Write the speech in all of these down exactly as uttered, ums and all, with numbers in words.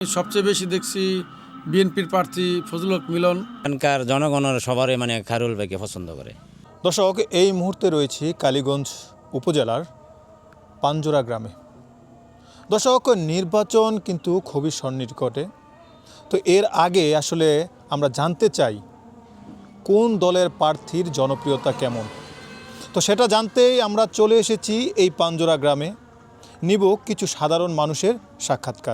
সবচেয়ে বেশি দেখছি বিএনপির প্রার্থী ফজলুল হক মিলন। এখানকার জনগণের সবারই মানে খায়রুল ভাইকে পছন্দ করে। দর্শক, এই মুহূর্তে রয়েছি কালীগঞ্জ উপজেলার পাঞ্জোরা গ্রামে। দর্শক, নির্বাচন কিন্তু খুবই সন্নিকটে। তো এর আগে আসলে আমরা জানতে চাই কোন দলের প্রার্থীর জনপ্রিয়তা কেমন। তো সেটা জানতেই আমরা চলে এসেছি এই পাঞ্জোরা গ্রামে। নিব কিছু সাধারণ মানুষের সাক্ষাৎকার।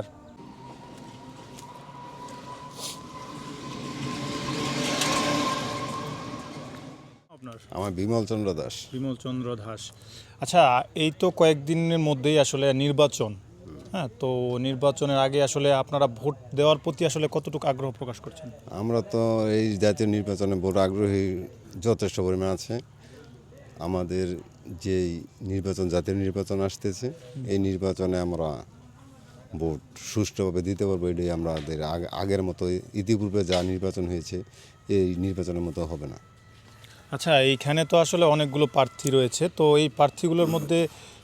আমার বিমল চন্দ্র দাস। বিমল চন্দ্র দাস। আচ্ছা, এই তো কয়েকদিনের মধ্যেই আসলে নির্বাচন, হ্যাঁ, তো নির্বাচনের আগে আসলে আপনারা ভোট দেওয়ার প্রতি আসলে কতটুকু আগ্রহ প্রকাশ করছেন? আমরা তো এই জাতীয় নির্বাচনে বড় আগ্রহী যথেষ্ট পরিমাণ আছে। আমাদের যেই নির্বাচন জাতীয় নির্বাচন আসতেছে, এই নির্বাচনে আমরা ভোট সুষ্ঠুভাবে দিতে পারবো। এটাই আমাদের আগের মতো ইতিপূর্বে যা নির্বাচন হয়েছে এই নির্বাচনের মতো হবে না। আচ্ছা, এইখানে তো আসলে অনেকগুলো প্রার্থী রয়েছে, তো এই প্রার্থীগুলোর মধ্যে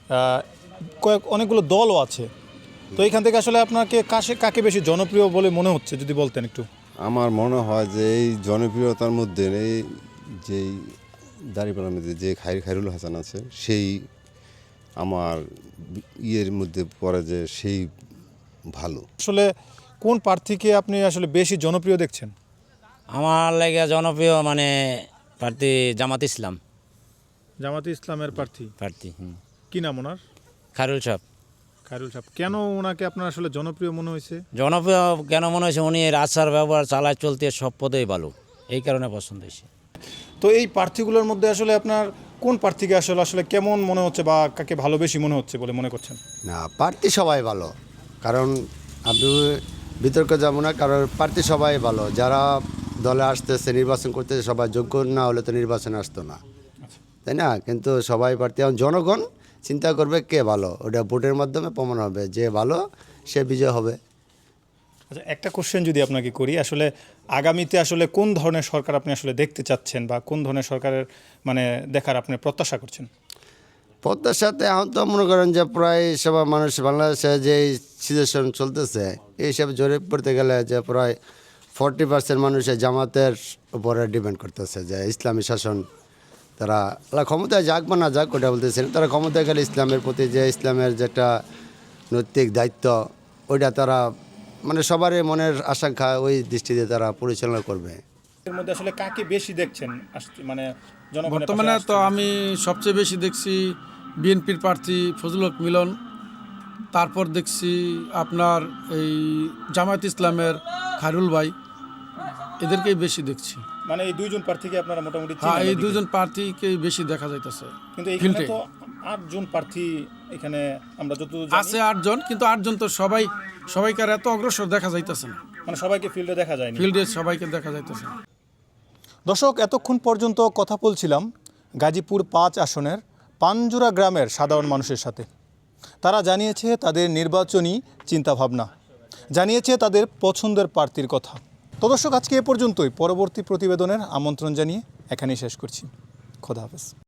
কয়েক অনেকগুলো দলও আছে, তো এইখান থেকে আসলে আপনাকে কাছে কাকে বেশি জনপ্রিয় বলে মনে হচ্ছে যদি বলতেন একটু। আমার মনে হয় যে এই জনপ্রিয়তার মধ্যে এই যেই দাঁড়িপাল্লার মধ্যে যে খাই খায়রুল হাসান আছে, সেই আমার ইয়ের মধ্যে পড়ে যে সেই ভালো। আসলে কোন প্রার্থীকে আপনি আসলে বেশি জনপ্রিয় দেখছেন? আমার লাগে জনপ্রিয় মানে প্রার্থী জামাত ইসলাম। জামাতে ইসলামের প্রার্থী প্রার্থী হুম কি নাম ওনার? খায়রুল সাহেব। খায়রুল সাহেব। কেন ওনাকে আপনার আসলে জনপ্রিয় মনে হয়েছে? জনপ্রিয় কেন মনে হয়েছে, উনি এর আচার ব্যবহার চালায় চলতে সব পদেই ভালো, এই কারণে পছন্দ হয়েছে। তো এই প্রার্থীগুলোর মধ্যে আসলে আপনার কোন প্রার্থীকে আসলে আসলে কেমন মনে হচ্ছে বা কাকে ভালো বেশি মনে হচ্ছে বলে মনে করছেন? না, প্রার্থী সবাই ভালো, কারণ আপনি বিতর্কে যাব না, কারণ প্রার্থী সবাই ভালো। যারা দলে আসতেছে নির্বাচন করতেছে সবাই যোগ্য না হলে তো নির্বাচনে আসতো না, তাই না? কিন্তু সবাই প্রার্থী, এখন জনগণ চিন্তা করবে কে ভালো, ওটা ভোটের মাধ্যমে প্রমাণ হবে, যে ভালো সে বিজয় হবে। আচ্ছা, একটা কোশ্চেন যদি আপনাকে করি, আসলে আগামীতে আসলে কোন ধরনের সরকার আপনি আসলে দেখতে চাচ্ছেন বা কোন ধরনের সরকারের মানে দেখার আপনি প্রত্যাশা করছেন? পদ্মার সাথে এখন তো মনে করেন যে প্রায় সবাই মানুষ বাংলাদেশে যে সিচুয়েশন চলতেছে এই হিসাবে জরিপ করতে গেলে যে প্রায় ফর্টি পার্সেন্ট মানুষের জামাতের উপরে ডিপেন্ড করতেছে, যে ইসলামী শাসন তারা ক্ষমতায় যাক বা না যাক ওটা বলতেছেন, তারা ক্ষমতায় গেলে ইসলামের প্রতি যে ইসলামের যে একটা নৈতিক দায়িত্ব ওইটা তারা মানে সবারই মনের আশঙ্কা ওই দৃষ্টিতে তারা পরিচালনা করবে। এর মধ্যে আসলে কাকে বেশি দেখছেন মানে বর্তমানে? তো আমি সবচেয়ে বেশি দেখছি বিএনপির প্রার্থী ফজলুল হক মিলন, তারপর দেখছি আপনার এই জামায়াত ইসলামের খায়রুল ভাই, এদেরকেই বেশি দেখছি। মানে এই দুইজন প্রার্থীকে আপনারা মোটামুটি? হ্যাঁ, এই দুইজন প্রার্থীকেই বেশি দেখা যাইতেছে। কিন্তু এখানে তো আটজন প্রার্থী এখানে আমরা যত আছে আটজন, কিন্তু আটজন তো সবাই সবাইকার এত অগ্রসর দেখা যাইতেছে না, মানে সবাইকে ফিল্ডে দেখা যায়নি। ফিল্ডে সবাইকে দেখা যাইতেছে। দর্শক, এতক্ষণ পর্যন্ত কথা বলছিলাম গাজীপুর পাঁচ আসনের পাঞ্জোরা গ্রামের সাধারণ মানুষের সাথে। তারা জানিয়েছে তাদের নির্বাচনী চিন্তাভাবনা, জানিয়েছে তাদের পছন্দের প্রার্থীর কথা। তো দর্শক, আজকে এ পর্যন্তই। পরবর্তী প্রতিবেদনের আমন্ত্রণ জানিয়ে এখানেই শেষ করছি। খোদা হাফেজ।